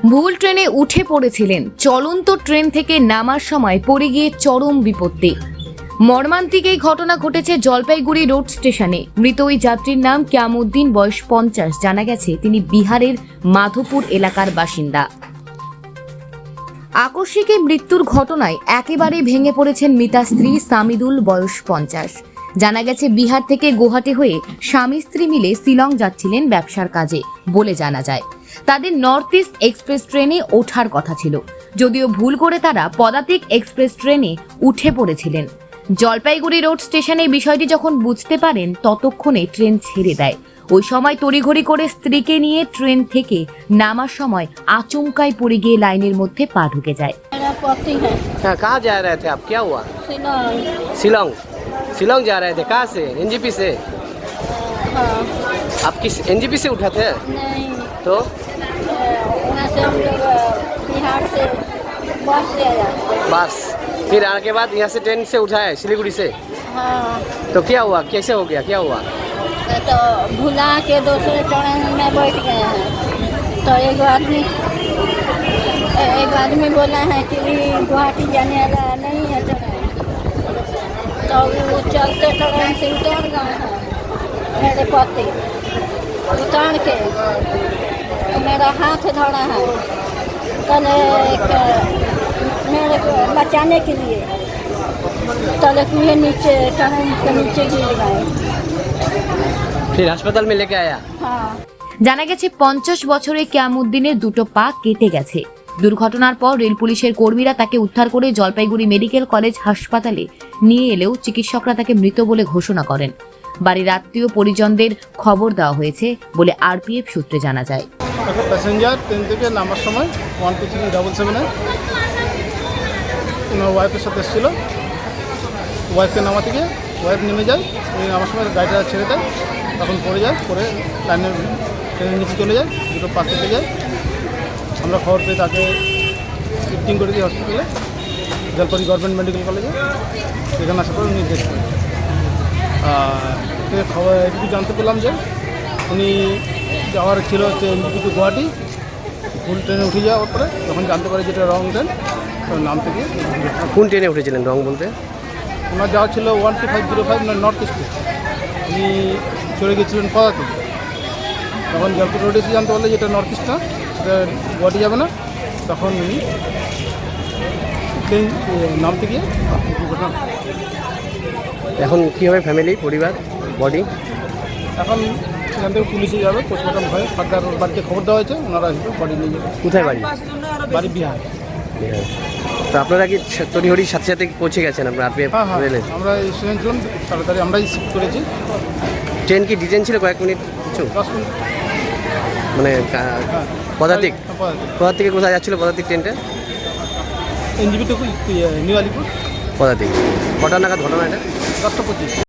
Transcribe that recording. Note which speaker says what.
Speaker 1: ভুল ট্রেনে উঠে পড়েছিলেন। চলন্ত ট্রেন থেকে নামার সময় পড়ে গিয়ে চরম বিপত্তি। মর্মান্তিক এই ঘটনা ঘটেছে জলপাইগুড়ি রোড স্টেশনে। মৃত ওই যাত্রীর নাম কিয়ামউদ্দিন, বয়স 50। জানা গেছে তিনি বিহারের মাধোপুর এলাকার বাসিন্দা। আকস্মিক এই মৃত্যুর ঘটনায় একেবারে ভেঙে পড়েছেন মৃতার স্ত্রী সামিদুল, বয়স 50। জানা গেছে বিহার থেকে গুয়াহাটি হয়ে স্বামী স্ত্রী মিলে শিলং যাচ্ছিলেন ব্যবসার কাজে বলে জানা যায়। তাদের নর্থ ইস্ট এক্সপ্রেস ট্রেনে ওঠার কথা ছিল, যদিও ভুল করে তারা পদাতিক এক্সপ্রেস ট্রেনে উঠে পড়েছিলেন। জলপাইগুড়ি রোড স্টেশনে বিষয়টি যখন বুঝতে পারেন ততক্ষণে ট্রেন ছেড়ে দেয়। ওই সময় তড়িঘড়ি করে স্ত্রীকে নিয়ে ট্রেন থেকে নামার সময় আচমকায় পড়ে গিয়ে লাইনের মধ্যে পা ঢুকে যায়।
Speaker 2: कहाँ जा रहे थे आप? क्या हुआ? शिलोंग। शिलोंग जा रहे थे? कहाँ से? एनजीपी से?
Speaker 3: हाँ।
Speaker 2: आप किस एनजीपी से उठा थे?
Speaker 3: नहीं,
Speaker 2: तो
Speaker 3: वहाँ से हम लोग बिहार से बस से आया।
Speaker 2: बस फिर आने के बाद यहाँ से ट्रेन से उठाया सिलीगुड़ी से?
Speaker 3: हाँ,
Speaker 2: तो क्या हुआ? कैसे हो गया? क्या हुआ?
Speaker 3: तो भुला के दूसरे ट्रेन में बैठ गए हैं। तो एक आदमी बोला है कि गुवाहाटी जाने वाला नहीं है ट्रेन। तो वो चलते ट्रेन से उतर गए हैं मेरे पति। उतार के मेरा हाथ धरा है कल मेरे को बचाने के लिए। तले कुएं नीचे ट्रेन के नीचे गिर गए।
Speaker 2: फिर अस्पताल में लेके आया?
Speaker 3: हाँ।
Speaker 1: জানা গেছে 50 বছরে কিয়ামউদ্দিনের দুটো পা কেটে গেছে। দুর্ঘটনার পর রেল পুলিশের কর্মীরা তাকে উদ্ধার করে জলপাইগুড়ি মেডিকেল কলেজ হাসপাতালে নিয়ে এলেও চিকিৎসকরা তাকে মৃত বলে ঘোষণা করেন। বাড়ির আত্মীয় পরিজনদের খবর দেওয়া হয়েছে বলে আরপিএফ সূত্রে জানা যায়।
Speaker 4: প্যাসেঞ্জার ট্রেন থেকে নামার সময় 12377-এ ওনার ওয়াইফের সাথে এসেছিল। ওয়াইফকে নামাতে গিয়ে ওয়াইফ নেমে যায়, উনি নামার সময় গাড়িটা ছেড়ে দেয়, তখন পড়ে যায়, পরে ট্রেনের নিচে চলে যায়, দুটো পা কেটে যায়। আমরা খবর পেয়ে তাকে শিফটিং করে দিই হসপিটালে, জলপাইগুড়ি গভর্নমেন্ট মেডিকেল কলেজে। সেখানে আসার পর উনি ডেথ করেন। খবর এটুকু জানতে পেলাম যে উনি যাওয়ার ছিল হচ্ছে এনজিপি টু গুয়াহাটি। ভুল ট্রেনে উঠে যাওয়ার পরে যখন জানতে পারি যেটা রং ট্রেন, নাম থেকে
Speaker 2: কোন ট্রেনে উঠেছিলেন রং বলতে?
Speaker 4: ওনার যাওয়া ছিল 12505 নর্থ ইস্টে। উনি চলে গেছিলেন পদাতিক। তখন জলপাইগুড়ি রোডে এসে জানতে পারলে যেটা নর্থ ইস্ট না, সেটা গুয়াহাটি যাবে না, তখন উনি ট্রেন নামতে গিয়ে দুর্ঘটনা।
Speaker 2: এখন কী হবে ফ্যামিলি, পরিবার, বডি?
Speaker 4: এখন সেখান থেকে পুলিশে যাবে, পোস্টমর্টম হয়ে ফার্দার বাড়িতে খবর দেওয়া হয়েছে, ওনারা আসবে বডি নিয়ে যাবে।
Speaker 2: কোথায় বাড়ি?
Speaker 4: বাড়ি বিহার।
Speaker 2: তো আপনারা কি তড়িঘড়ির সাথে সাথে পৌঁছে গেছেন আপনার আরপিএফ
Speaker 4: হ্যাঁ,
Speaker 2: রেলে?
Speaker 4: আমরা স্টুডেন্ট ছিলাম, তাড়াতাড়ি আমরাই শিফট করেছি।
Speaker 2: ট্রেন কি ডিটেন ছিল কয়েক মিনিট কিছু?
Speaker 4: 10 মিনিট।
Speaker 2: মানে পদাতিক
Speaker 4: পদাতিক
Speaker 2: পদাতিকে কোথায় যাচ্ছিল পদাতিক ট্রেনটা?
Speaker 4: NJP to New Alipur.
Speaker 2: পদাতিক কটা নাগাদ ঘটনা এটা?
Speaker 4: 10টা 25।